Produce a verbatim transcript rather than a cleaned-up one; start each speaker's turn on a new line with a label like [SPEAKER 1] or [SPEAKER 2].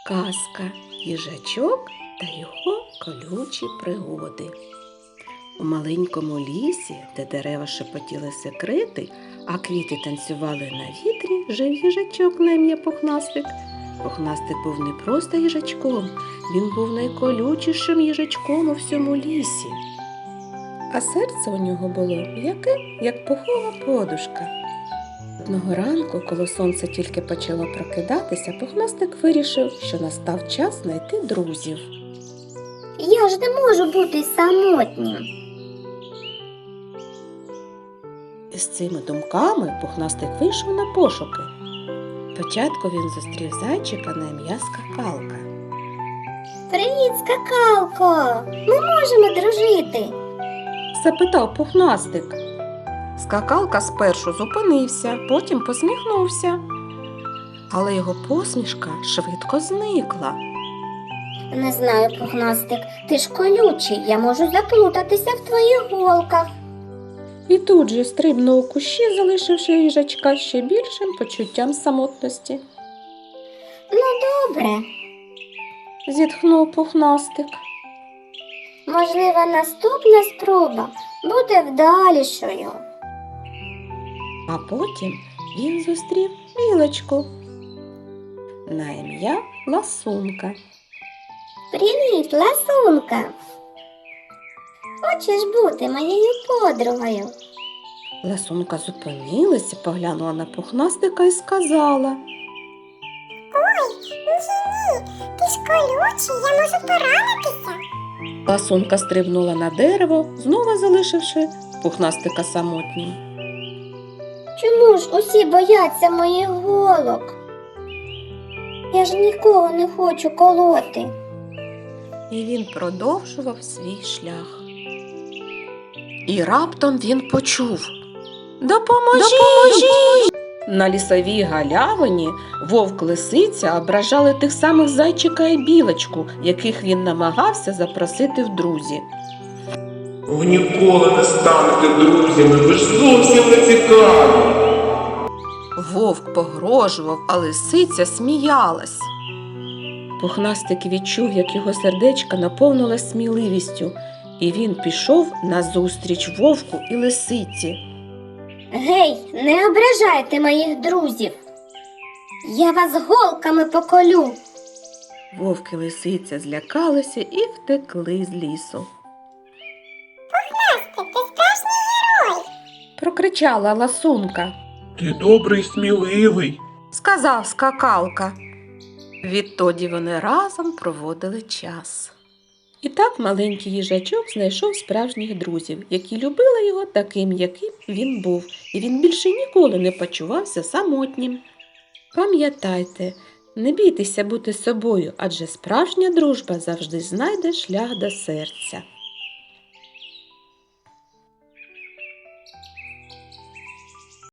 [SPEAKER 1] Казка «Їжачок та його колючі пригоди». У маленькому лісі, де дерева шепотіли секрети, а квіти танцювали на вітрі, жив їжачок на ім'я Пухнастик. Пухнастик був не просто їжачком, він був найколючішим їжачком у всьому лісі. А серце у нього було яке, як пухова подушка. Одного ранку, коли сонце тільки почало прокидатися, Пухнастик вирішив, що настав час знайти друзів.
[SPEAKER 2] Я ж не можу бути самотнім.
[SPEAKER 1] І з цими думками Пухнастик вийшов на пошуки. Спочатку він зустрів зайчика на ім'я Скакалка.
[SPEAKER 2] Привіт, Скакалко! Ми можемо дружити.
[SPEAKER 1] Запитав Пухнастик. Скакалка спершу зупинився, потім посміхнувся. Але його посмішка швидко зникла.
[SPEAKER 2] Не знаю, Пухнастик, ти ж колючий, я можу заплутатися в твоїх голках.
[SPEAKER 1] І тут же стрибнув у кущі, залишивши їжачка ще більшим почуттям самотності.
[SPEAKER 2] Ну, добре.
[SPEAKER 1] Зітхнув Пухнастик.
[SPEAKER 2] Можливо, наступна спроба буде вдалішою.
[SPEAKER 1] А потім він зустрів білочку на ім'я Ласунка.
[SPEAKER 2] Привіт, Ласунка! Хочеш бути моєю подругою?
[SPEAKER 1] Ласунка зупинилася, поглянула на Пухнастика і сказала:
[SPEAKER 2] Ой, ні, ти ж колючий, я можу поранитися.
[SPEAKER 1] Ласунка стрибнула на дерево, знову залишивши Пухнастика самотнім.
[SPEAKER 2] Чому ж усі бояться моїх голок? Я ж нікого не хочу колоти.
[SPEAKER 1] І він продовжував свій шлях. І раптом він почув: «Допоможіть! Допоможіть!» На лісовій галявині вовк-лисиця ображали тих самих зайчика і білочку, яких він намагався запросити в друзі.
[SPEAKER 3] Ви ніколи не станете друзями, ви ж зовсім не цікаві.
[SPEAKER 1] Вовк погрожував, а лисиця сміялась. Пухнастик відчув, як його сердечко наповнилось сміливістю, і він пішов назустріч вовку і лисиці.
[SPEAKER 2] Гей, не ображайте моїх друзів. Я вас голками поколю.
[SPEAKER 1] Вовк і лисиця злякалися і втекли з лісу.
[SPEAKER 2] Пухнастик, ти справжній герой.
[SPEAKER 1] Прокричала Ласунка.
[SPEAKER 3] Ти добрий, сміливий.
[SPEAKER 1] Сказав Скакалка. Відтоді вони разом проводили час. І так маленький їжачок знайшов справжніх друзів, які любили його таким, яким він був, і він більше ніколи не почувався самотнім. Пам'ятайте, не бійтеся бути собою, адже справжня дружба завжди знайде шлях до серця.